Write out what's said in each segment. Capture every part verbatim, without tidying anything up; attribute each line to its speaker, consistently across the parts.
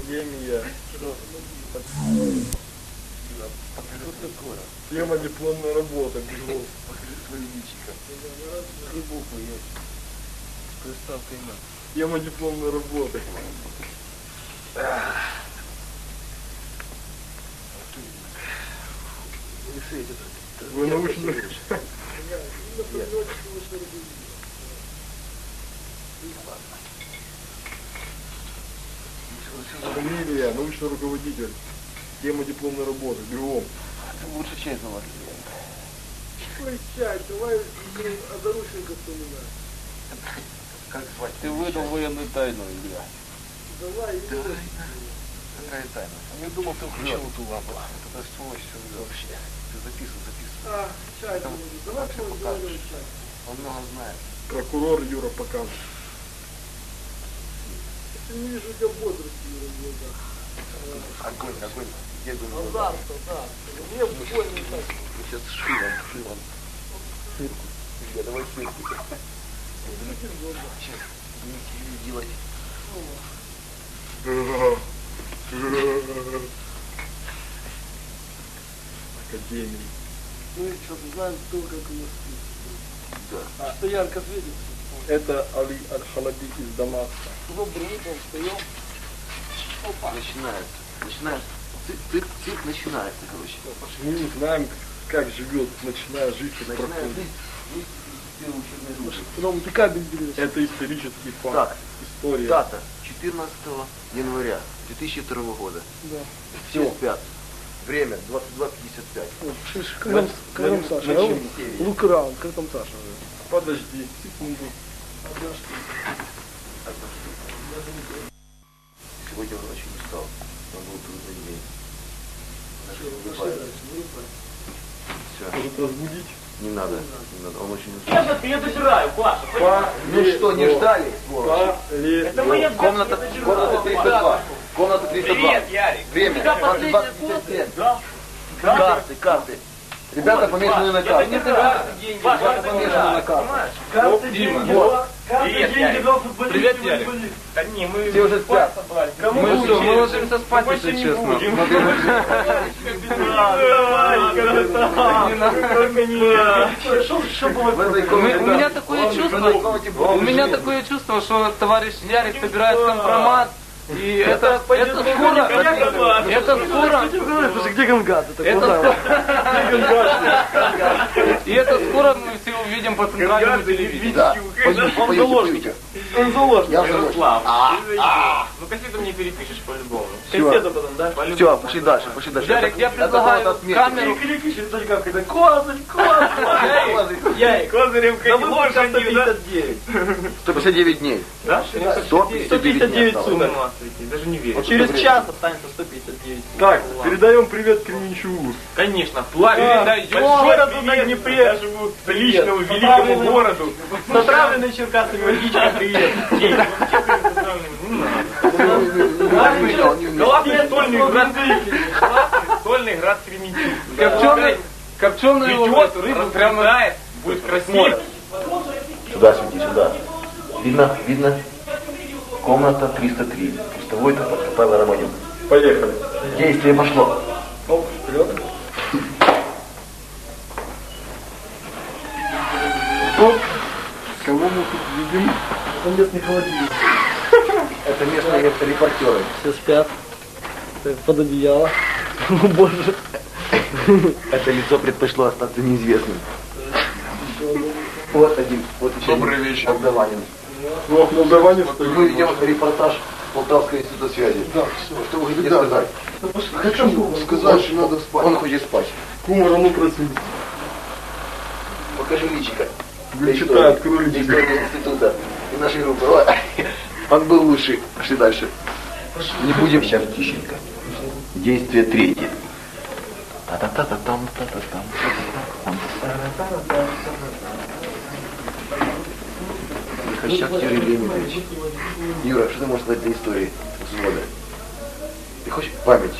Speaker 1: Академия.
Speaker 2: Что?
Speaker 1: Что такое? Тема дипломная работа. Бегу.
Speaker 2: Покажи свою личико. Три буквы есть. С приставкой на.
Speaker 1: Тема дипломной работы. Вы научно... Фамилия, научный руководитель. Тема дипломной работы. Бегом.
Speaker 2: Лучше чай звать.
Speaker 3: Ой, чай, давай озорушенька вспоминай.
Speaker 2: Как звать?
Speaker 4: Ты выдал военную тайну, Илья.
Speaker 3: Давай,
Speaker 2: Тайна. Какая тайна? Я думал, ты включил эту лампу. Это сволочь все вообще. Ты записывай, записывай.
Speaker 3: А, чай,
Speaker 2: Там
Speaker 3: давай
Speaker 2: всё
Speaker 3: твой
Speaker 2: покажешь.
Speaker 3: говори чай.
Speaker 2: Он много знает.
Speaker 1: Прокурор Юра покажет.
Speaker 3: Я не вижу у тебя бодрости в глазах.
Speaker 2: Огонь, огонь. Я думаю,
Speaker 3: Азарта, да. Мне больно так.
Speaker 2: сейчас шилом, шилом. Ширку. Я давай ширку. Сейчас будем делать.
Speaker 1: Академия.
Speaker 3: Мы что-то знаем только, как у нас.
Speaker 2: Да.
Speaker 3: А что ярко светит?
Speaker 1: Это Али Аль-Халаби из Дамаска.
Speaker 3: Добрый утро, встаем. Опа.
Speaker 2: Начинается. Начинается. Цирк, цирк, цирк начинается, короче.
Speaker 1: Мы не знаем, как живет, начиная жить как
Speaker 2: Начинается
Speaker 1: проходит.
Speaker 2: жизнь. Жизнь первые учебные годы.
Speaker 3: Потом ты кабель берешь.
Speaker 1: Это исторический факт.
Speaker 2: Так.
Speaker 1: История.
Speaker 2: Дата. четырнадцатого января две тысячи второго года.
Speaker 3: Да.
Speaker 2: Все спят. Время двадцать два пятьдесят пять.
Speaker 3: Вот, слышишь, как там, как там Саша?
Speaker 2: на
Speaker 3: А он-
Speaker 2: чем серии?
Speaker 3: Look around, как там Саша?
Speaker 1: Подожди, секунду.
Speaker 2: Сегодня он очень устал. Он был трудный день. Даже не
Speaker 3: Пошли
Speaker 2: улыбается.
Speaker 3: дальше, вырубай.
Speaker 2: Все.
Speaker 1: Может разбудить?
Speaker 2: Не надо. Не надо. Он очень устал.
Speaker 5: Я добираю, Паша.
Speaker 2: Ну что, не ждали? сволочь?
Speaker 5: Это моя
Speaker 2: Комната, комната триста два. Комната триста два.
Speaker 5: Привет, Ярик.
Speaker 2: Время
Speaker 5: У тебя
Speaker 2: двадцать два
Speaker 5: последняя
Speaker 2: пятьдесят семь.
Speaker 5: Да?
Speaker 2: Карты, карты. Ребята помешаны на карты.
Speaker 5: Это карты, деньги.
Speaker 2: Ребята
Speaker 5: Паша,
Speaker 2: помешаны на карты.
Speaker 5: понимаешь?
Speaker 3: Карты, деньги,
Speaker 2: Вот.
Speaker 3: карты,
Speaker 5: Привет,
Speaker 3: деньги,
Speaker 5: Ярик.
Speaker 3: два футболиста.
Speaker 4: Привет, Ярик.
Speaker 3: футболист.
Speaker 5: Да не, мы
Speaker 2: Все уже спят.
Speaker 5: собрались.
Speaker 3: Кому
Speaker 4: Мы
Speaker 3: лучше?
Speaker 4: что, мы ложимся спать,
Speaker 5: Больше
Speaker 4: если
Speaker 5: не
Speaker 4: честно.
Speaker 5: будем.
Speaker 3: Что было?
Speaker 2: В этой
Speaker 4: У
Speaker 2: комнате,
Speaker 4: ме- у
Speaker 2: да.
Speaker 4: меня такое
Speaker 2: В этой
Speaker 4: чувство,
Speaker 2: комнате
Speaker 4: у меня такое чувство, что товарищ Ярик собирает компромат, и это, это скоро, это скоро,
Speaker 3: Слушай, где Гангат? Это
Speaker 4: это
Speaker 3: куда?
Speaker 4: скоро, и это скоро мы все увидим по центральному телевидению.
Speaker 2: Да. Пойдем, пойдем, пойдем.
Speaker 3: Он заложник.
Speaker 2: Я в заложник.
Speaker 5: Ярослав, ну кассету мне перепишешь по-любому.
Speaker 3: Кассету потом, да?
Speaker 2: Все, пошли дальше, пошли дальше.
Speaker 4: Ярик, я
Speaker 2: Это
Speaker 4: предлагаю
Speaker 2: надо отметить.
Speaker 4: камеру,
Speaker 3: Перепишешь, это как это? Козырь, козырь.
Speaker 5: Яй, козырем
Speaker 3: Да
Speaker 5: как
Speaker 3: мы
Speaker 5: ложь,
Speaker 3: только
Speaker 5: они, да?
Speaker 3: сто пятьдесят девять.
Speaker 2: сто пятьдесят девять дней.
Speaker 5: Да?
Speaker 2: сто пятьдесят девять дней осталось.
Speaker 3: суток.
Speaker 5: Даже не верю.
Speaker 3: Через час останется сто пятьдесят девять.
Speaker 1: Так, передаем привет Кременчугу.
Speaker 5: Конечно, плаве
Speaker 3: Передаем
Speaker 5: городу
Speaker 3: большой
Speaker 5: на
Speaker 3: привет
Speaker 5: Днепре, нашему личному великому
Speaker 3: Отправленный-
Speaker 5: городу.
Speaker 3: С отравленной черкасами водичкой привет.
Speaker 5: Ей, ну, честно, с отравленным не надо. Главный стольный град, главный стольный град Кременчуг.
Speaker 4: копченый, копченую
Speaker 5: Идет,
Speaker 4: рыбу прямо
Speaker 5: распределяет, будет красиво.
Speaker 2: Сюда свети, сюда. Видно, видно. Комната триста три. Пустовой это Павел Романюк.
Speaker 1: Поехали.
Speaker 2: Действие пошло.
Speaker 1: Оп, вперед. Оп. Кого мы тут видим?
Speaker 3: Он нет не холодильник.
Speaker 2: Это местные репортеры.
Speaker 3: Все спят. Под одеяло. О боже.
Speaker 2: Это лицо предпочло остаться неизвестным. Вот один. Вот еще
Speaker 4: Добрый
Speaker 2: один.
Speaker 4: вечер.
Speaker 2: Молдаванин.
Speaker 1: Ну, в Молдаване
Speaker 2: Мы
Speaker 1: стоит.
Speaker 2: ведем репортаж Полтавского института связи.
Speaker 3: Да,
Speaker 2: Что вы хотите сказать?
Speaker 3: Хочу
Speaker 2: Сказать, что надо спать. Он хочет спать.
Speaker 1: Кумар, а ну проснись.
Speaker 2: Покажи личико.
Speaker 1: Вы читай, открой
Speaker 2: Для
Speaker 1: личико.
Speaker 2: истории института и нашей группы. Ой, он был лучший. Пошли дальше. Не будем сейчас тихенько. Действие третье. Та-та-та-та-там, та-та-там, та-та-там. Хащак Юрий Леонидович. Юра, что ты можешь сказать для истории взвода? Ты хочешь память?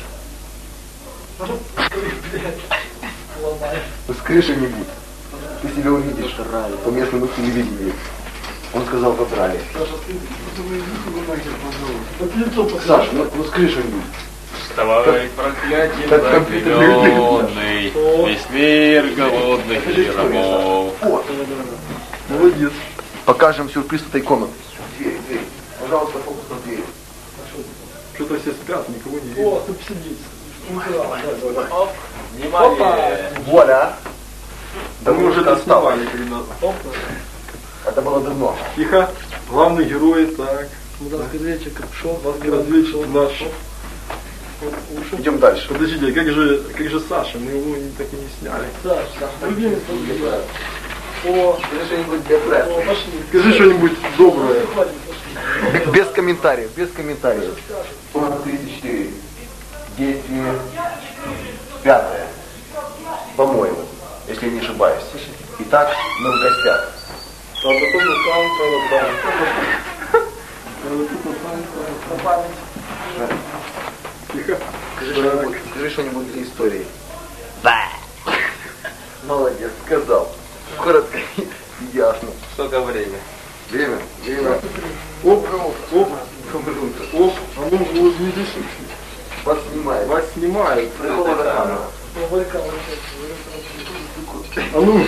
Speaker 2: Ну, с крыши не будет. Ты себя увидишь по местному телевидению. Он сказал, подрались.
Speaker 3: Саша, ты, ты вы иди нахер, пожалуйста. Так лицо покажи.
Speaker 2: Саш, ну, ну скажи что-нибудь.
Speaker 5: Вставай, проклятие
Speaker 2: Как компьютер
Speaker 5: запыленный, весь мир голодных яромов.
Speaker 2: Вот.
Speaker 1: Молодец.
Speaker 2: Покажем сюрприз этой комнаты. Дверь, дверь. Пожалуйста, фокус на дверь.
Speaker 1: Что-то все спят, никого не видно.
Speaker 3: О, тут сидит.
Speaker 4: Внимание!
Speaker 2: Вуаля.
Speaker 1: Да мы уже это
Speaker 2: осталось.
Speaker 1: снимали когда-то.
Speaker 3: Опа.
Speaker 2: Это было давно.
Speaker 1: Тихо. Главный герой, так.
Speaker 3: Разведчик пришел.
Speaker 1: Разведчик наш.
Speaker 2: Идем дальше.
Speaker 1: Подождите, а как же, как же Саша? Мы его не- так и не сняли.
Speaker 3: Саш, Саш, любимый твой. О,
Speaker 2: Скажи что-нибудь для
Speaker 3: о,
Speaker 2: прессы.
Speaker 3: пошли.
Speaker 1: Скажи что-нибудь доброе.
Speaker 3: Хватит, пошли.
Speaker 2: Б- Без комментариев, без комментариев. сорок тридцать четыре. Действие пятое. По-моему, если я не ошибаюсь. Итак, мы в гостях.
Speaker 1: Тихо.
Speaker 2: Скажи что-нибудь, скажи что-нибудь для истории. Да. Молодец, сказал. Коротко и ясно.
Speaker 5: Сколько время?
Speaker 2: Время, время.
Speaker 1: Оп, оп, оп. А ну, улыбнитесь.
Speaker 2: Вас снимает.
Speaker 1: Вас снимают.
Speaker 2: Прикол за камеру.
Speaker 1: А ну,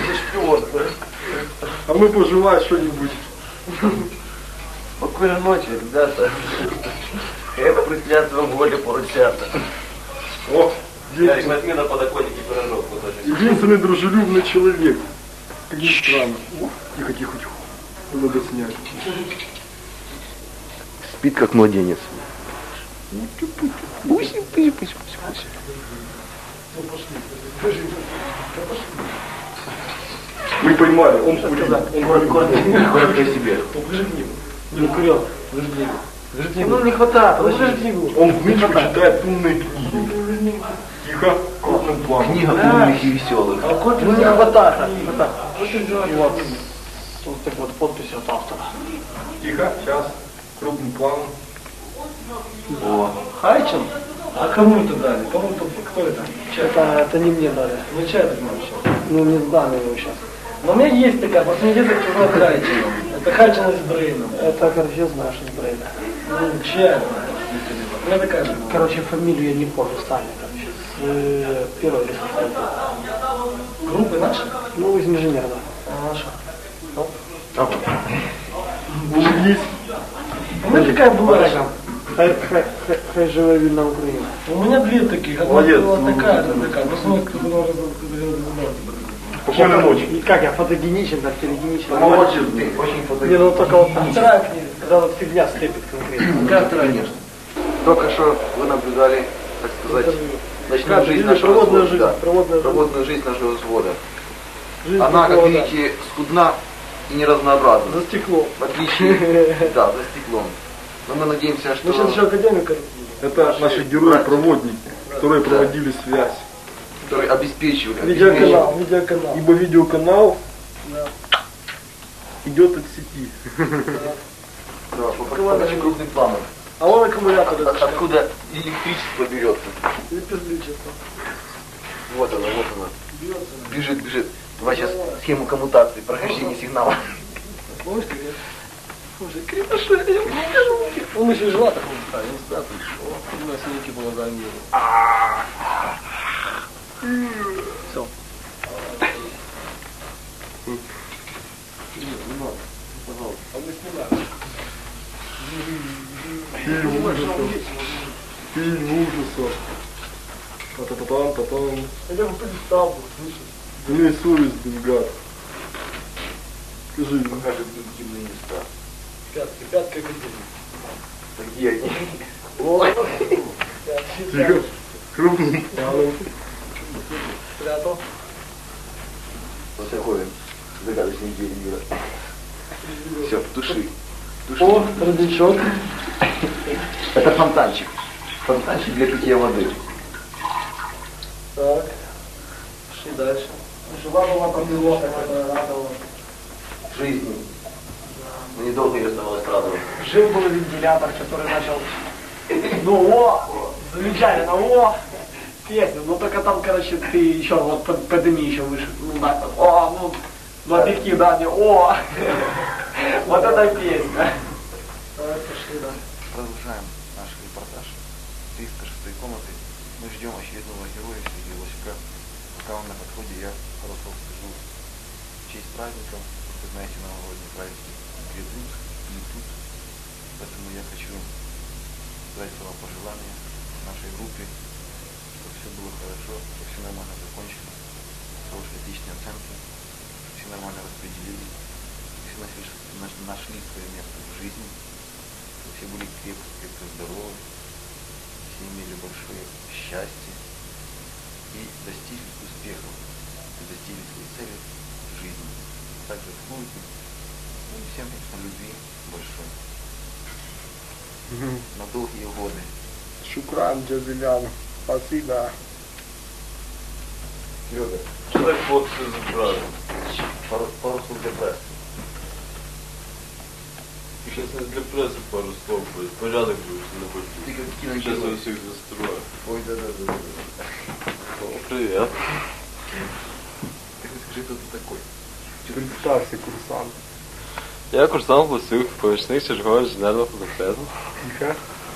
Speaker 1: а мы пожелай что-нибудь.
Speaker 2: Спокойной ночи, ребята. Эх, прислятство в воле поручата.
Speaker 1: О,
Speaker 5: Ярик, возьми на подоконнике пирожок кусочек.
Speaker 1: единственный дружелюбный человек. Как ни странно. Тихо, тихо, тихо. Надо снять.
Speaker 2: Спит как младенец. Пусть, пусть, пусть, пусть, пусть.
Speaker 1: Мы поймали, он курит. Он курит.
Speaker 2: Коротко о себе.
Speaker 3: Покажи книгу. Не курил. Покажи книгу. Покажи книгу. Ну не хватает, покажи книгу.
Speaker 1: Он в книжку читает умные книги. Тихо, крупным планом.
Speaker 2: Книга умных и веселых.
Speaker 3: А копию ну, не хватает. Не хватает. И вот, вот так вот подпись от автора.
Speaker 1: Тихо, сейчас. Крупным планом.
Speaker 2: О,
Speaker 3: Хайчин? А кому это дали? Кому это? Кто это? Это, это не мне дали. Ну чай так вообще? Ну не сдали его сейчас. Но у меня есть такая, просто не где-то чужой Хайчин. Это Хайчин из Брейна. Это, короче, знаешь из Брейна. Ну, чай. У меня такая же. Короче, фамилию я не помню, Сталин, короче. С э, первой или со второй. Группы наши? Ну, из инженера, да. А наша? Ну.
Speaker 1: Улыбнись.
Speaker 3: У меня такая была.
Speaker 6: Хай, хай, хай, хай живе вільна Україна.
Speaker 3: У меня две таких. Одна
Speaker 1: Молодец.
Speaker 3: была такая, одна такая. Просто мы кто-то должен
Speaker 1: Спокойной ночи.
Speaker 6: И как я фотогеничен, так телегеничен.
Speaker 1: Молодец.
Speaker 2: ты очень
Speaker 6: Не,
Speaker 2: фотогеничный.
Speaker 6: ну только вот
Speaker 3: А вторая книга.
Speaker 6: когда вот фигня слепит конкретно.
Speaker 3: Как вторая?
Speaker 2: Конечно. Только что вы наблюдали, так сказать, ночную
Speaker 6: Как,
Speaker 2: жизнь
Speaker 6: видишь,
Speaker 2: нашего
Speaker 6: проводная
Speaker 2: взвода.
Speaker 6: жизнь,
Speaker 2: Да.
Speaker 6: проводная жизнь.
Speaker 2: Проводную жизнь нашего взвода.
Speaker 6: Жизнь
Speaker 2: Она, как
Speaker 6: такого,
Speaker 2: видите, скудна и неразнообразна.
Speaker 6: да. За стеклом.
Speaker 2: В отличие, да, за стеклом. Но мы надеемся, что...
Speaker 6: Мы сейчас еще академика.
Speaker 1: Это наши герои-проводники, которые проводили связь.
Speaker 2: которые обеспечивали.
Speaker 6: Видеоканал, видеоканал.
Speaker 1: Ибо видеоканал
Speaker 6: Да.
Speaker 1: идет от сети.
Speaker 2: Да, покажи крупным планом.
Speaker 6: А вон аккумулятор.
Speaker 2: От- от- Откуда электричество берется.
Speaker 6: И пиздличество.
Speaker 2: Вот она, вот она. Бежит, бежит. Давай сейчас схему коммутации, прохождения сигнала.
Speaker 6: Помнишь, как я? Слушай, крепыша, я не покажу. Он еще и жила такого ставил. Он ставил, что у нас некий было замер. Все. А мы снимаем.
Speaker 1: Фильм ужасов. Фильм ужасов. Та-та-та-там, та-там.
Speaker 6: Я бы представил, слышишь?
Speaker 1: Имей совесть, блин, гад. Скажи,
Speaker 2: Покажет интимные места.
Speaker 6: Пятки, пятка академии.
Speaker 2: Где они?
Speaker 6: Ой.
Speaker 1: тихо, крупным планом.
Speaker 6: Спрятал.
Speaker 2: Вот такой загадочный день мира. Все, туши. Туши.
Speaker 6: О, родничок.
Speaker 2: Это фонтанчик. Фонтанчик для питья воды.
Speaker 6: Так. Пошли дальше. Жила была подвелока, которая радовала.
Speaker 2: Жизни. Но недолго ее оставалось радовать.
Speaker 6: Жил был вентилятор, который начал... Ну, о! Замечательно, о! Песня, ну только там, короче, ты еще вот под- подними еще выше. Ну, да, о, ну, ну, объектив, да, мне, о! Вот это песня.
Speaker 3: Давай пошли, да.
Speaker 2: Продолжаем наш репортаж триста шестой комнаты. Мы ждем очередного героя Сергея Лосика. Пока он на подходе, я просто скажу в честь праздника. Вы знаете, новогодние праздники грядут, идут. Поэтому я хочу дать слова пожелания нашей группе, чтобы все было хорошо, чтобы все нормально закончилось, хорошие отличные оценки, чтобы все нормально распределились, все нашли, нашли свое место в жизни, чтобы все были крепко, крепко здоровы, все имели большое счастье и достигли успехов, и достигли своей цели в жизни, также в службе, ну и всем, конечно, любви большой. На долгие годы.
Speaker 1: Шукран, Джазилян. Спасибо.
Speaker 2: Серега,
Speaker 5: Что так вот все забрали?
Speaker 2: пару, пару слов для прессы.
Speaker 5: Сейчас не для прессы пару слов будет. Порядок будет на
Speaker 2: Ты
Speaker 5: пути.
Speaker 2: как
Speaker 5: Сейчас
Speaker 2: киногерой.
Speaker 5: я всех застрою.
Speaker 2: Ой, да, да, да, да, да.
Speaker 5: Привет.
Speaker 2: Ты хоть скажи, кто ты такой?
Speaker 1: Представься, курсант.
Speaker 5: Я курсант Лосюк, помічник чергового інженерного факультету.
Speaker 1: Тихо.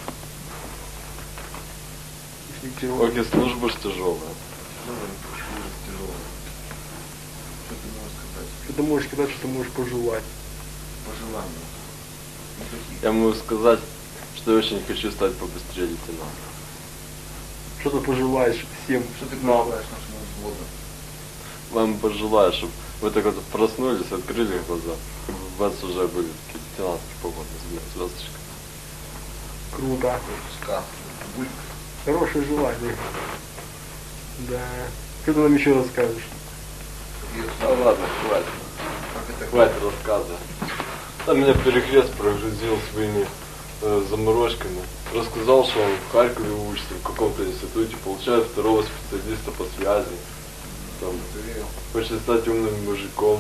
Speaker 5: Поки служба ж тяжелая.
Speaker 2: Ну, почему же тяжело? Что ты можешь сказать?
Speaker 1: Что ты можешь сказать, что ты можешь пожелать?
Speaker 2: Пожелания. Никаких.
Speaker 5: Я могу сказать, что я очень хочу стать побыстрее лейтенантом.
Speaker 1: Что ты пожелаешь всем?
Speaker 2: Что ты пожелаешь нашему взводу?
Speaker 5: Вам пожелаю, чтобы вы так вот проснулись, открыли глаза, и у вас уже были такие лейтенантские погоны с звездочкой.
Speaker 1: Круто.
Speaker 2: Сказ. Бульк.
Speaker 1: Хорошее желание. Да. Что ты нам еще расскажешь?
Speaker 5: Да ладно, хватит.
Speaker 2: Как это
Speaker 5: Хватит рассказа. Там меня перекрест прогрузил своими э, заморочками. Рассказал, что он в Харькове учится, в каком-то институте, получает второго специалиста по связи. Там, хочет стать умным мужиком.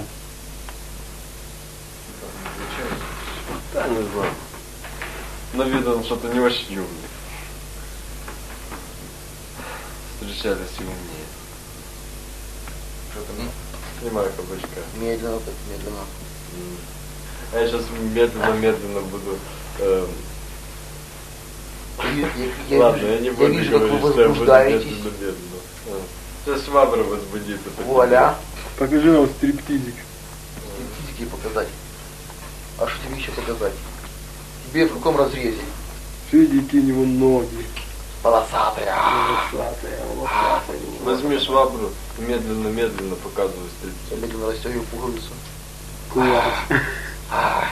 Speaker 5: Да, не знаю. На вид он что-то не очень умный. Встречались и умнее.
Speaker 2: Что там?
Speaker 5: Снимаю кабачка.
Speaker 2: Медленно так, медленно.
Speaker 5: М. А я сейчас медленно-медленно буду... эм,
Speaker 2: Я, я,
Speaker 5: Ладно,
Speaker 2: вижу,
Speaker 5: я не
Speaker 2: я
Speaker 5: буду
Speaker 2: вижу, как вы
Speaker 5: говорить, что я буду
Speaker 2: возбуждаетесь.
Speaker 5: медленно-медленно. А. Сейчас швабра возбудится.
Speaker 2: Вуаля.
Speaker 1: Покажи нам стриптизик.
Speaker 2: Физики показать. А что тебе еще показать? Тебе в каком разрезе?
Speaker 1: Видите, какие у него ноги.
Speaker 2: Полосатые.
Speaker 1: Волосатые, волосатые.
Speaker 5: Возьми швабру и медленно-медленно показывай стрельцу.
Speaker 2: Я медленно расстегиваю пуговицу.
Speaker 1: Класс.
Speaker 2: Ай.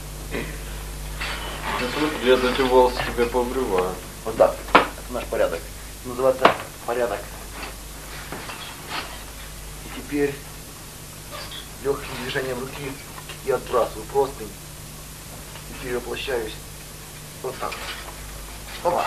Speaker 5: Я эти волосы тебе пообрываю.
Speaker 2: Вот так. Это наш порядок. Называется порядок. И теперь легким движением руки я отбрасываю простынь и перевоплощаюсь вот так. Опа.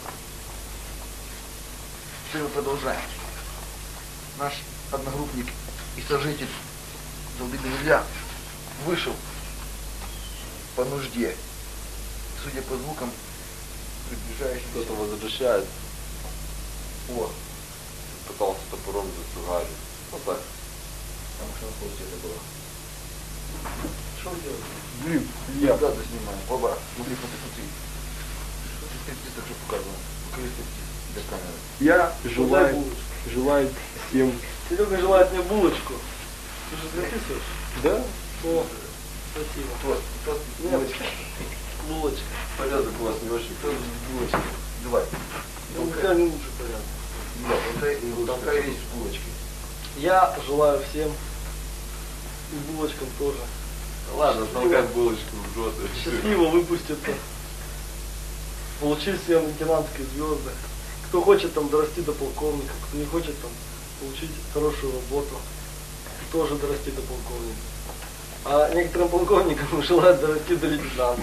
Speaker 2: Теперь мы продолжаем. Наш одногруппник и сожитель Залдыга Илья вышел по нужде. Судя по звукам, приближающимся...
Speaker 5: Кто-то возвращает.
Speaker 2: О,
Speaker 5: Пытался топором зацугарить. Вот так.
Speaker 2: потому что на полке это было.
Speaker 3: Что делать?
Speaker 1: Блин,
Speaker 2: Я
Speaker 1: я.
Speaker 2: да, снимаю. Оба, смотри, смотри, смотри. Что ты стриптиз так же показывал? Покажи стриптиз для камеры.
Speaker 1: Я
Speaker 3: Дай
Speaker 1: желаю,
Speaker 3: булочку.
Speaker 1: желаю всем.
Speaker 3: Серега желает мне булочку. Ты же записываешь?
Speaker 1: Да?
Speaker 3: О, спасибо.
Speaker 2: Вот, просто
Speaker 3: Нет.
Speaker 2: булочка.
Speaker 3: Булочка.
Speaker 5: Порядок у вас не очень.
Speaker 2: Просто булочка. Давай.
Speaker 3: Ну, какая не лучше порядок.
Speaker 2: Да, толкай, толкай речь с булочкой.
Speaker 3: Я желаю всем и булочкам тоже
Speaker 5: Ладно, толкай булочку в рот.
Speaker 3: счастливо выпуститься, получить всем лейтенантские звезды. Кто хочет там дорасти до полковника, кто не хочет там получить хорошую работу, тоже дорасти до полковника. А некоторым полковникам желают дорасти до лейтенанта.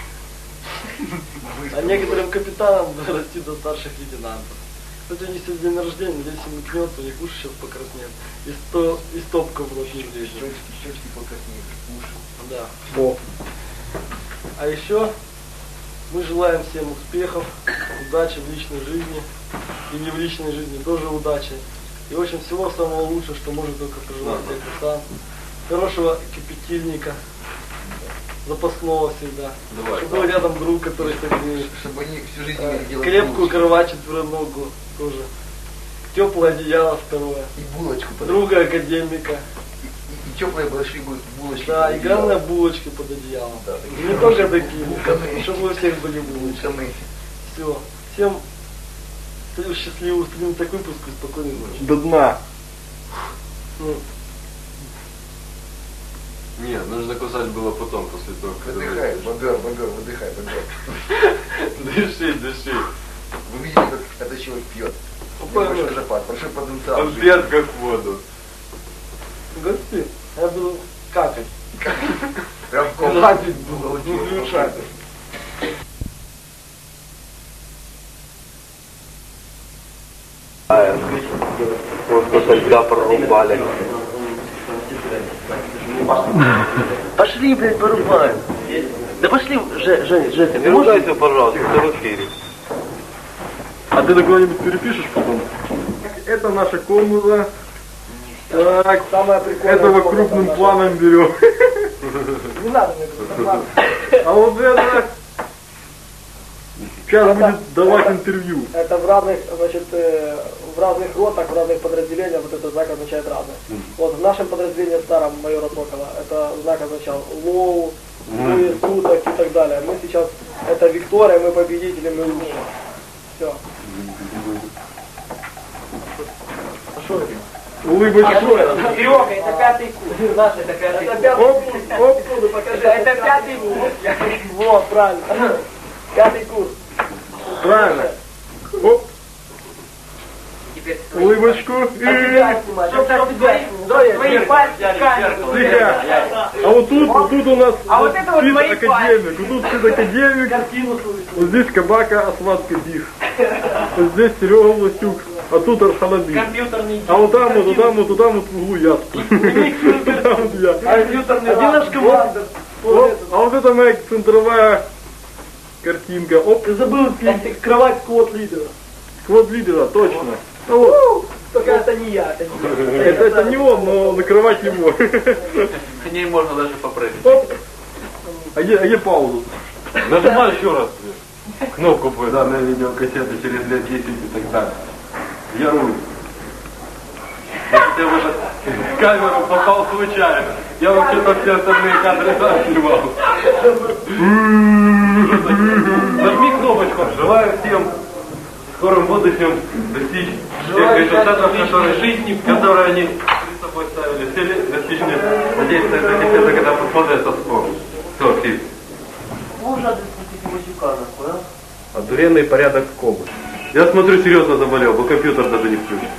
Speaker 3: А некоторым капитанам дорасти до старших лейтенантов. Кстати, у них сегодня день рождения, надеюсь, им икнется, у них уши сейчас покраснеют. И, сто, и стопка в рот не влезет.
Speaker 2: Щечки, щечки покраснеют, уши.
Speaker 3: Да.
Speaker 1: О,
Speaker 3: А еще мы желаем всем успехов, удачи в личной жизни и не в личной жизни, тоже удачи. И в общем всего самого лучшего, что может только пожелать тебе курсант. Хорошего кипятильника, запасного всегда.
Speaker 2: Давай.
Speaker 3: Чтобы был рядом друг, который согреет.
Speaker 2: Чтобы они всю жизнь не делали
Speaker 3: Крепкую
Speaker 2: булочки.
Speaker 3: кровать четвероногую тоже. Теплое одеяло второе.
Speaker 2: И булочку под
Speaker 3: Друга академика.
Speaker 2: И, и, и теплые большие бу- булочки.
Speaker 3: Да,
Speaker 2: под
Speaker 3: и
Speaker 2: одеялом.
Speaker 3: главное булочки под одеялом.
Speaker 2: Да,
Speaker 3: И
Speaker 2: такие
Speaker 3: не только такие,
Speaker 2: булканы.
Speaker 3: чтобы у всех были булочки.
Speaker 2: Булканы.
Speaker 3: Все. Всем счастливого, устроим так выпуск и спокойной ночи.
Speaker 1: До дна.
Speaker 3: Ну,
Speaker 5: Нет, нужно кусать было потом, после того, как...
Speaker 2: Выдыхай, бобер, бобер, выдыхай, бобер.
Speaker 5: Дыши, дыши.
Speaker 2: Вы видите, как этот человек пьет.
Speaker 3: Какой
Speaker 2: Большой
Speaker 3: он?
Speaker 2: запас, большой потенциал.
Speaker 5: Он пьет как воду.
Speaker 3: гости, я буду какать.
Speaker 2: Прям в комнату.
Speaker 3: Жадить буду, не включать.
Speaker 7: Вот тогда прорубали.
Speaker 6: Пошли, блядь, порубаем. Да пошли, Ж, Женя, Жека,
Speaker 7: Не ругайся, пожалуйста, ты в эфире.
Speaker 1: А ты куда-нибудь перепишешь потом? Это наша комната. Так,
Speaker 3: Самое прикольное.
Speaker 1: этого крупным планом берем.
Speaker 3: Не надо мне это, ладно.
Speaker 1: А вот это сейчас будет давать интервью.
Speaker 3: Это в разных, значит, э, в разных ротах, в разных подразделениях вот этот знак означает разное. Вот в нашем подразделении старом майора Сокола это знак означал лоу, двое суток и так далее. Мы сейчас, это Виктория, мы победители, мы лучшие. Все. А что это?
Speaker 1: Улыбочка.
Speaker 6: Серега, это пятый курс. Наш это пятый курс.
Speaker 3: Это пятый курс. Оп, покажи.
Speaker 6: Это пятый курс.
Speaker 3: Вот, правильно. Пятый курс.
Speaker 1: Правильно. Оп,
Speaker 6: Теперь
Speaker 1: улыбочку. И...
Speaker 6: тебя снимать. Чтоб так тебя снимать. Твои пальцы в камеру.
Speaker 1: Тихо. А вот тут, вот тут у нас
Speaker 6: А вот это вот мои
Speaker 1: академик. Вот тут академик.
Speaker 3: Картину слышно.
Speaker 1: Вот здесь Кабака Асмат Кадих. Вот здесь Серега Власюк. А тут Арханаби.
Speaker 6: Компьютерный
Speaker 1: А вот там, вот там, вот туда, вот в углу я. Там вот я.
Speaker 3: Компьютерный наш командир.
Speaker 1: Оп, а вот это моя центровая картинка. Оп,
Speaker 3: Ты забыл пить кровать сквот лидера.
Speaker 1: сквот лидера, точно. Ну вот,
Speaker 3: Только это не я, это не я.
Speaker 1: это, это не он, но накрывать его.
Speaker 7: К ней можно даже попрыгать.
Speaker 1: Оп. А где, а где паузу?
Speaker 5: Нажимай еще раз. Кнопку будет.
Speaker 7: Данная видеокассета через лет десять и так далее. Я руль.
Speaker 5: Если я в эту камеру попал случайно. Я вообще-то все остальные кадры сам снимал. Нажми кнопочку. Желаю всем в скором будущем достичь тех результатов, которые, которые они перед собой ставили. Цели достичь. Надеюсь, что эта кассета, когда посмотрят, то вспомнит. Все, Филипп.
Speaker 7: Одуренный порядок в кому. Я смотрю, серьезно заболел, бо компьютер даже не включен.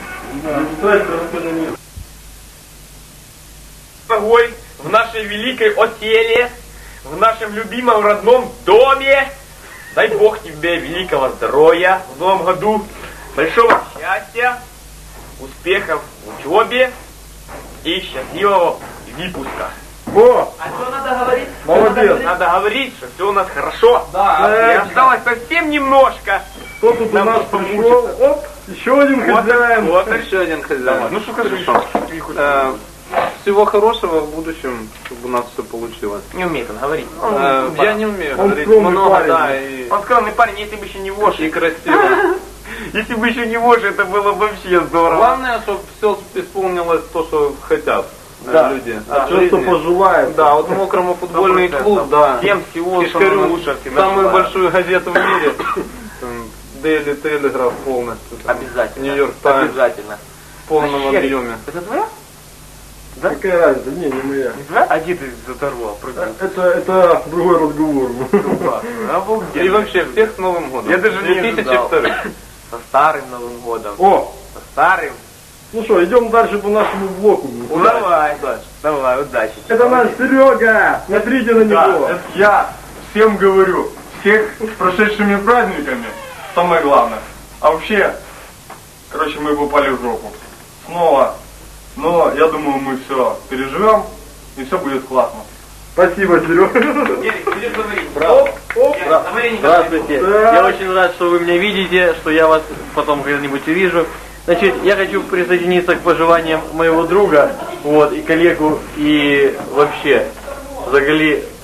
Speaker 8: Ногой в нашей великой оселе, в нашем любимом родном доме. Дай Бог тебе великого здоровья в новом году, большого счастья, успехов в учебе и счастливого выпуска.
Speaker 1: О,
Speaker 6: А что надо говорить?
Speaker 1: молодец.
Speaker 8: Надо говорить, что все у нас хорошо.
Speaker 1: Да.
Speaker 8: И осталось совсем немножко.
Speaker 1: Кто тут у
Speaker 8: Нам
Speaker 1: нас
Speaker 8: тут
Speaker 1: пришел? Оп, еще один хозяин.
Speaker 8: Вот
Speaker 7: Еще один хозяин.
Speaker 8: Ну что скажи,
Speaker 7: Э, Всего хорошего в будущем, чтобы у нас все получилось.
Speaker 8: не умеет он говорить.
Speaker 7: Э, Я не умею
Speaker 1: Он
Speaker 7: говорить
Speaker 1: скромный
Speaker 7: много,
Speaker 1: парень.
Speaker 7: да, и,
Speaker 8: Он скромный парень, если бы еще не вошь.
Speaker 7: и красиво.
Speaker 8: Если бы еще не вошь, это было вообще здорово.
Speaker 7: Главное, чтобы все исполнилось то, что хотят э,
Speaker 1: Да.
Speaker 7: люди.
Speaker 1: А
Speaker 7: от
Speaker 1: что, что
Speaker 7: жизни.
Speaker 1: пожелает?
Speaker 7: Да, вот мокрому футбольный клуб, да.
Speaker 8: Всем всего
Speaker 7: Кишкарю,
Speaker 8: самого лучшего всегда
Speaker 7: самую
Speaker 8: желаю.
Speaker 7: большую газету в мире. Там, Daily Telegraph полностью. там,
Speaker 8: Обязательно.
Speaker 7: Нью-Йорк Таймс
Speaker 8: Обязательно.
Speaker 7: в полном
Speaker 8: Вообще,
Speaker 7: объеме.
Speaker 8: Это твоя? Да?
Speaker 1: Какая разница? Не, не моя.
Speaker 8: Не твоя? А где ты заторвал?
Speaker 1: Это, это другой разговор.
Speaker 8: Обалденно.
Speaker 7: И вообще, всех с Новым годом.
Speaker 8: Я даже не
Speaker 7: две тысячи
Speaker 8: ожидал.
Speaker 7: второй.
Speaker 8: Со старым Новым годом.
Speaker 1: О,
Speaker 8: Со старым.
Speaker 1: ну что, идем дальше по нашему блоку.
Speaker 8: Ну, давай. Давай, удачи.
Speaker 1: Это наш Серега. Смотрите на него.
Speaker 5: Я всем говорю, всех с прошедшими праздниками, самое главное. А вообще, короче, мы попали в жопу. Снова. Но я думаю, мы все переживем, и все будет классно.
Speaker 1: Спасибо, Серега.
Speaker 3: Оп, оп.
Speaker 6: Здравствуйте.
Speaker 1: Да.
Speaker 6: Я очень рад, что вы меня видите, что я вас потом когда-нибудь увижу. Значит, я хочу присоединиться к пожеланиям моего друга, вот, и коллегу, и вообще, взагалі,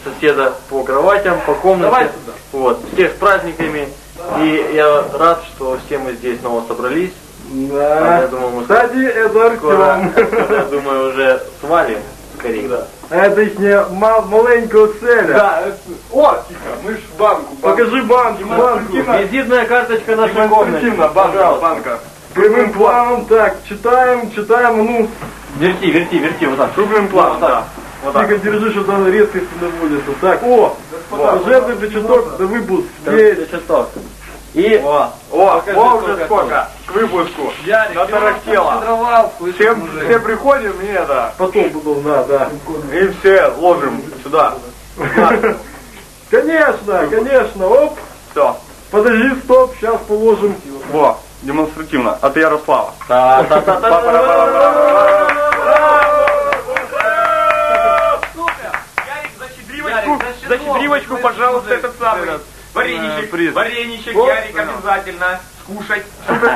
Speaker 9: соседа по кроватям, по комнате.
Speaker 3: Давай сюда.
Speaker 9: Вот, всех с праздниками. И я рад, что все мы здесь снова собрались.
Speaker 7: Да.
Speaker 9: Я думаю, мы
Speaker 7: Кстати, это
Speaker 9: скоро,
Speaker 7: Артем.
Speaker 9: я думаю, уже свалим скорее.
Speaker 3: Да.
Speaker 7: Это их не ма- маленького целя.
Speaker 1: Да, это... О, тихо, мы ж банку. банку.
Speaker 7: Покажи банку, банку.
Speaker 9: Визитная карточка нашей комнаты.
Speaker 1: Демонстративно, банка, банка.
Speaker 7: Прямым планом, так, читаем, читаем, ну,
Speaker 9: Верти, верти, верти, вот так.
Speaker 7: круглым планом,
Speaker 9: Вот так.
Speaker 7: да.
Speaker 9: Вот так.
Speaker 7: Тихо держи, чтобы там резкость не наводится. Так, о, служебный причасток, да выпуск. Есть.
Speaker 9: Часов. И
Speaker 8: О, о, о, уже сколько к выпуску.
Speaker 4: Ярик,
Speaker 8: Натарахтело.
Speaker 4: слышишь,
Speaker 8: Все,
Speaker 4: мужик?
Speaker 8: все приходим и это,
Speaker 7: Потом, потом, да, да.
Speaker 8: и все ложим сюда.
Speaker 7: Конечно, конечно, оп.
Speaker 8: Все.
Speaker 7: Подожди, стоп, сейчас положим.
Speaker 8: Во, демонстративно. От Ярослава. Ярик, за щедривочку, за щедривочку, пожалуйста, этот самый вареничек, вареничек, Ярик, обязательно скушать.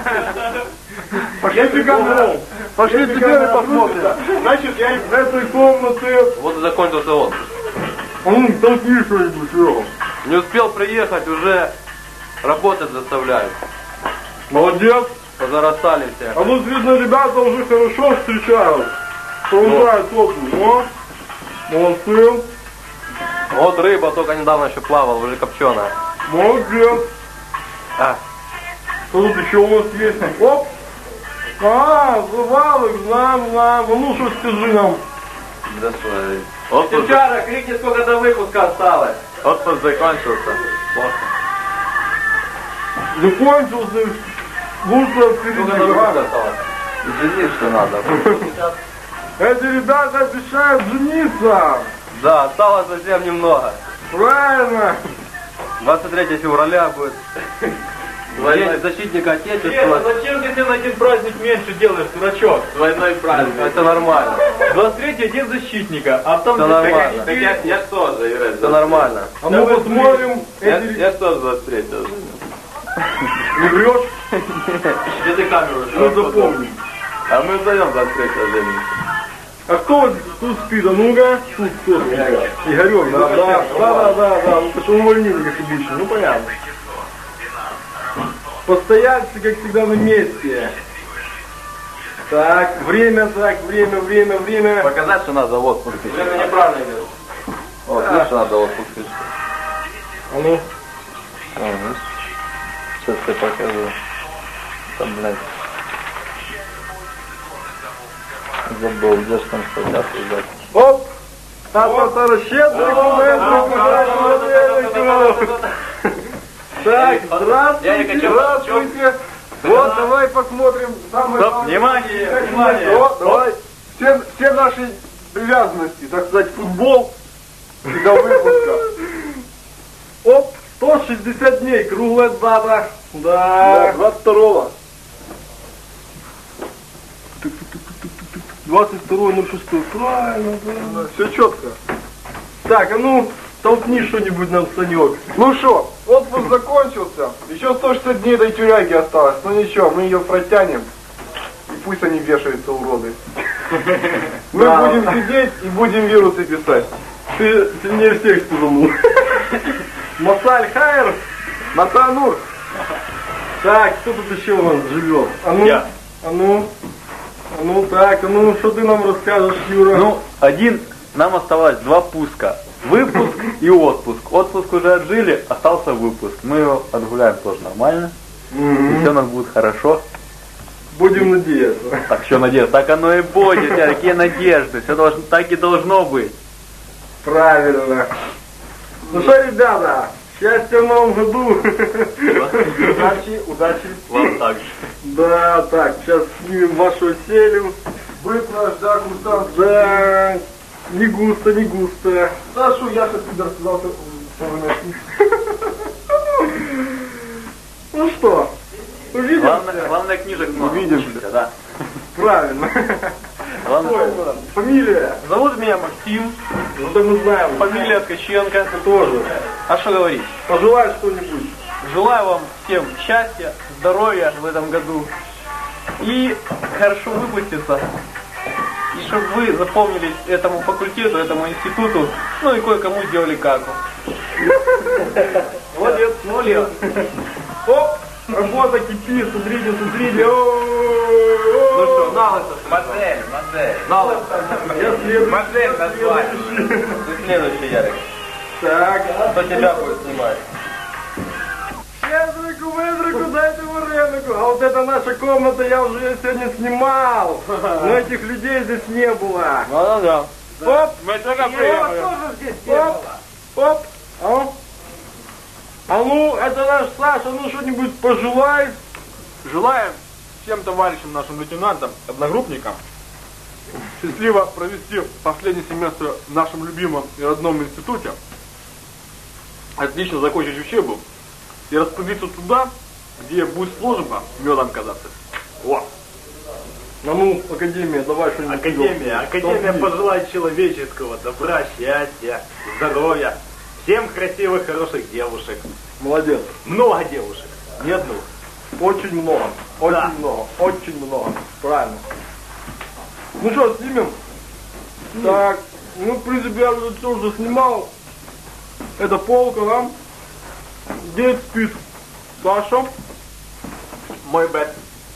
Speaker 7: Пошли теперь, пошли теперь посмотрим. Значит, я в этой комнате...
Speaker 9: вот и закончился отпуск.
Speaker 7: Ну, толкни что-нибудь, Серега.
Speaker 9: Не успел приехать, уже работать заставляют.
Speaker 7: Молодец.
Speaker 9: Позарастали все.
Speaker 7: А тут, видно, ребята уже хорошо встречают. Продолжают отпуск. О, молодцы.
Speaker 9: Вот рыба только недавно еще плавала, уже копченая.
Speaker 7: Молодец.
Speaker 9: А.
Speaker 7: Что тут еще у нас есть? Оп. А, завалок, знаем, знаем. Ну что, скажи нам.
Speaker 9: Отпуск,
Speaker 3: Девчара, крикни, сколько до выпуска осталось.
Speaker 9: отпуск закончился.
Speaker 7: Закончился. Лучше
Speaker 9: Сколько до
Speaker 7: впереди.
Speaker 9: выпуска осталось? Жениться надо.
Speaker 7: Эти ребята обещают жениться.
Speaker 9: Да, осталось совсем немного.
Speaker 7: Правильно.
Speaker 9: двадцать третьего февраля будет День защитника Отечества.
Speaker 3: Зачем ты на один праздник меньше делаешь, дурачок?
Speaker 9: Двойной праздник. Это нормально.
Speaker 3: двадцать третий день защитника, а потом...
Speaker 9: Все нормально.
Speaker 8: Так я, я что же, Юрий?
Speaker 9: Все нормально.
Speaker 7: А мы посмотрим.
Speaker 9: Я,
Speaker 7: Эти...
Speaker 9: я что двадцать третьего?
Speaker 7: Не врешь?
Speaker 9: Где ты камеру?
Speaker 7: Ну запомни.
Speaker 9: А мы вдвоем двадцать третьего женимся.
Speaker 7: А кто вот тут спит? А ну-ка. Тут кто? Игорек. Игорек, да, да, да, да, да, да. Ну, потому что увольнили, как обычно. Ну, понятно. Постояльцы, как всегда, на месте. Так, время, так, время, время, время.
Speaker 9: Показать, что надо отпуск.
Speaker 3: Это неправильно идет.
Speaker 9: Вот, видишь, что надо отпуск.
Speaker 7: А ну.
Speaker 9: Сейчас я покажу. Там, блядь. Забыл, где же там статья создать.
Speaker 7: Оп! Та-та-та, щедрый документы. Так, здравствуйте, здравствуйте. Вот, давай посмотрим. Самое
Speaker 8: Стоп,
Speaker 7: главное.
Speaker 8: внимание, внимание.
Speaker 7: Вот, давай. Все, все наши привязанности, так сказать, футбол и до выпуска. Оп, сто шестьдесят дней, круглая дата. Да. двадцать второго. двадцать второго ноль шестого. Правильно, правильно. Все четко. Так, а ну, толкни что-нибудь нам, Санек.
Speaker 1: Ну что, отпуск закончился. Еще сто шестьдесят дней до тюряги осталось. Ну ничего, мы ее протянем. И пусть они вешаются, уроды. Мы
Speaker 7: Да.
Speaker 1: будем сидеть и будем вирусы писать.
Speaker 7: Ты сильнее всех спугнул. Масаль Хайер.
Speaker 1: Матанур.
Speaker 7: Так, кто тут еще у нас живет? А ну,
Speaker 8: Я.
Speaker 7: а ну, а ну, так, а ну, что ты нам расскажешь, Юра?
Speaker 9: Ну, один, нам оставалось два пуска. Выпуск и отпуск. Отпуск уже отжили, остался выпуск. Мы его отгуляем тоже нормально.
Speaker 7: Мгм.
Speaker 9: И все у нас будет хорошо.
Speaker 7: Будем надеяться.
Speaker 9: Так что надеюсь, так оно и будет. Я, какие надежды. Все должно, так и должно быть.
Speaker 7: Правильно. Ну что, ребята, счастья в новом году. Удачи, удачи.
Speaker 9: Вам так же.
Speaker 7: Да, так, сейчас снимем вашу селю.
Speaker 1: Быт наш, да, курсант.
Speaker 7: Да, не густо, не густо.
Speaker 1: Сашу Яша Пидор сказал, что вы нашли.
Speaker 7: Ну что, увидимся?
Speaker 9: Главное, главное книжек много.
Speaker 7: Увидимся.
Speaker 9: Да.
Speaker 7: Правильно.
Speaker 9: Главное,
Speaker 7: Фамилия?
Speaker 3: Зовут меня Максим,
Speaker 7: Ну да мы знаем.
Speaker 3: фамилия Ткаченко.
Speaker 7: Тоже.
Speaker 3: А что говорить?
Speaker 7: Пожелай что-нибудь.
Speaker 3: Желаю вам всем счастья, здоровья в этом году и хорошо выпуститься. И
Speaker 9: чтобы вы запомнились этому факультету, этому институту, ну и кое-кому сделали каку.
Speaker 7: Молодец, молодец. Оп, работа кипит, смотрите, смотрите. Ну
Speaker 9: что, на лысо.
Speaker 8: Модель, модель.
Speaker 9: На лысо.
Speaker 7: Я следующий.
Speaker 8: Модель назвать.
Speaker 9: Ты следующий, Ярик.
Speaker 7: Так,
Speaker 9: Кто тебя будет снимать?
Speaker 7: Ведрику, ведрику, дайте варенику. А вот это наша комната, я уже ее сегодня снимал. Но этих людей здесь не было.
Speaker 9: Ну да.
Speaker 7: Оп,
Speaker 9: Мы только
Speaker 7: тоже здесь не было. Оп, а? А ну, это наш Саша, ну что-нибудь пожелай.
Speaker 1: Желаем всем товарищам, нашим лейтенантам, одногруппникам счастливо провести последний семестр в нашем любимом и родном институте, отлично закончить учебу и распределиться туда, где будет служба медом казаться. О!
Speaker 7: А ну, Академия, давай что-нибудь.
Speaker 8: Академия, Академия пожелает человеческого добра, счастья, здоровья, всем красивых, хороших девушек.
Speaker 7: Молодец.
Speaker 8: Много девушек, не одну.
Speaker 7: Очень много, очень
Speaker 8: Да.
Speaker 7: много, очень много. Правильно. Ну что, снимем? Так, ну, в принципе, я уже все уже снимал. Это полка, да? Где спит? Саша?
Speaker 1: Мой бэт.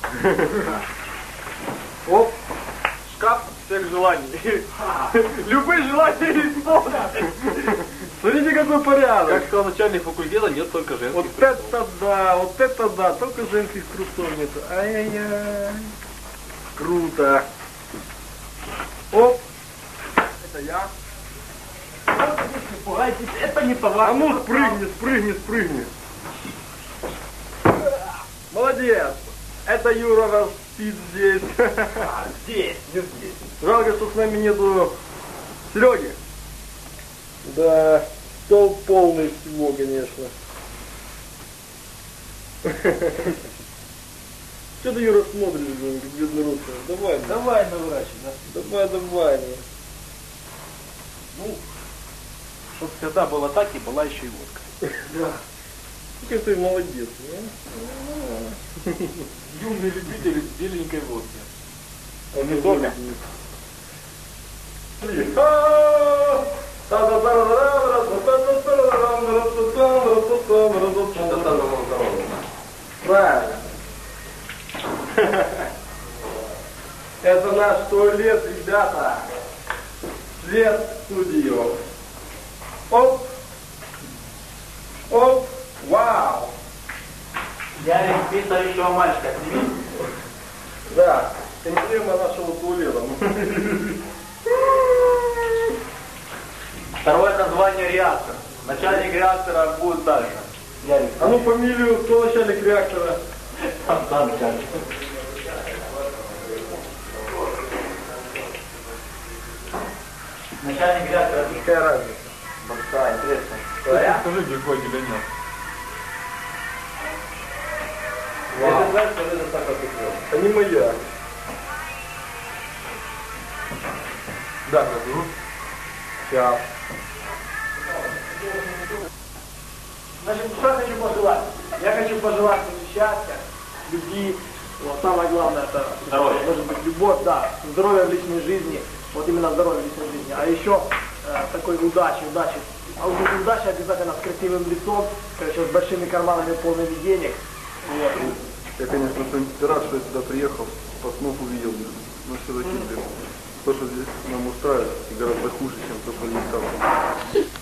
Speaker 7: Оп.
Speaker 1: Шкаф всех желаний.
Speaker 7: Любые желания исполнят. Смотрите, какой порядок.
Speaker 1: Как сказал начальник факультета, нет только женских.
Speaker 7: Вот это да, вот это да, только женских трусов нет. Ай-яй-яй. Круто. Оп. Это я.
Speaker 8: Не пугайтесь, это не
Speaker 7: А
Speaker 8: товар.
Speaker 7: ну спрыгни, спрыгни, спрыгни. Молодец. Это Юра раз спит здесь.
Speaker 8: Здесь, не здесь.
Speaker 7: Жалко, что с нами нету Сереги. Да, стол полный всего, конечно. Что ты, Юра, смотришь, блин, как бедный русский? Давай, ну.
Speaker 3: Давай, наворачивай.
Speaker 7: давай, давай. ну.
Speaker 3: Ну, чтобы всегда было так и была еще и водка.
Speaker 7: Да. Какой ты молодец, ну.
Speaker 1: Юные любители беленькой водки.
Speaker 7: Он не
Speaker 1: дома?
Speaker 7: Правильно. Это наш туалет, ребята. Свет в студию. Оп. Оп. Вау.
Speaker 3: Ярик, ты еще мальчика, сними.
Speaker 7: Да. Эмблема нашего туалета.
Speaker 9: Второе название реактор. Начальник реактора будет дальше.
Speaker 3: Ярик,
Speaker 7: А ну фамилию, кто начальник реактора?
Speaker 3: там, там, Ярик.
Speaker 9: Начальник реактора.
Speaker 7: Какая разница?
Speaker 9: Большая, интересно.
Speaker 1: Скажи, где хоть или нет.
Speaker 7: Я знаю, что это так отыграл. Это не моя.
Speaker 1: Да, заберу.
Speaker 7: Сейчас.
Speaker 6: Значит, что я хочу пожелать? Я хочу пожелать ему счастья, любви. Вот самое главное это
Speaker 9: Здоровье.
Speaker 6: может быть любовь, да, здоровье в личной жизни. Вот именно здоровье в личной жизни. А еще э, такой удачи, удачи. А вот удача обязательно с красивым лицом, короче, с большими карманами полными денег. Вот.
Speaker 1: Я, конечно, рад, что я сюда приехал, по снов увидел, но все-таки, блин, то, что здесь нам устраивает, гораздо хуже, чем то, что не стало.